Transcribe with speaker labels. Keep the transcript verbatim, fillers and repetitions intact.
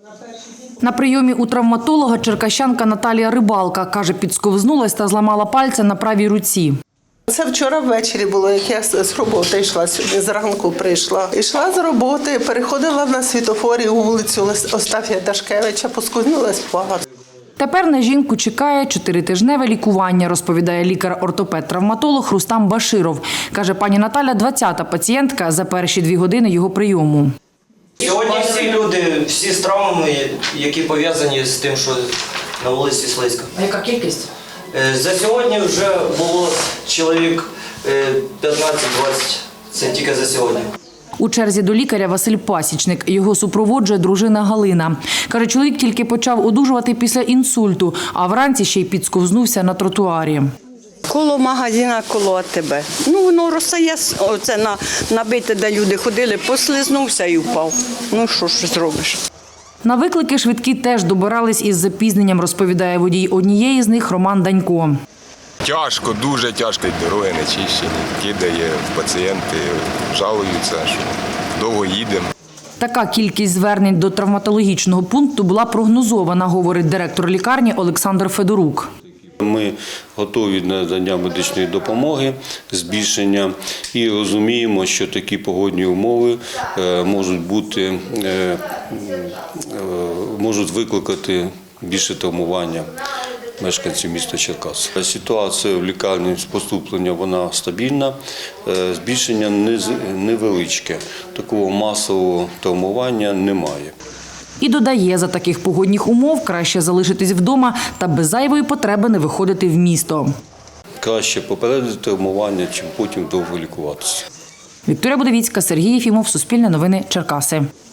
Speaker 1: На прийомі у травматолога черкащанка Наталія Рибалка. Каже, підсковзнулась та зламала пальця на правій руці.
Speaker 2: Це вчора ввечері було, як я з роботи йшла сьогодні, зранку прийшла. Йшла з роботи, переходила на світофорі у вулицю Остафія Дашкевича, поскользнулась, впала.
Speaker 1: Тепер на жінку чекає чотиритижневе лікування, розповідає лікар-ортопед-травматолог Рустам Баширов. Каже, пані Наталя – двадцята пацієнтка за перші дві години його прийому.
Speaker 3: Сьогодні всі люди, всі з травмами, які пов'язані з тим, що на вулиці слизько.
Speaker 1: А яка кількість?
Speaker 3: За сьогодні вже було чоловік п'ятнадцять-двадцять, це тільки за сьогодні.
Speaker 1: У черзі до лікаря Василь Пасічник. Його супроводжує дружина Галина. Каже, чоловік тільки почав одужувати після інсульту, а вранці ще й підсковзнувся на тротуарі.
Speaker 4: Коло магазина, коло АТБ. Ну, воно розстає, оце на, набите, де люди ходили, послизнувся і впав. Ну, що ж зробиш?
Speaker 1: На виклики швидкі теж добирались із запізненням, розповідає водій однієї з них Роман Данько.
Speaker 5: Тяжко, дуже тяжко, і дороги не чищені, кидає, пацієнти жалуються, що довго їдемо.
Speaker 1: Така кількість звернень до травматологічного пункту була прогнозована, говорить директор лікарні Олександр Федорук.
Speaker 6: Ми готові до надання медичної допомоги, збільшення і розуміємо, що такі погодні умови можуть бути, можуть викликати більше травмування мешканців міста Черкас. Ситуація в лікарні з поступлення вона стабільна, збільшення невеличке, такого масового травмування немає.
Speaker 1: І додає, за таких погодних умов краще залишитись вдома та без зайвої потреби не виходити в місто.
Speaker 6: Краще попередити травмування, чим потім довго лікуватися.
Speaker 1: Вікторія Будовіцька, Сергій Єфімов, Суспільне новини, Черкаси.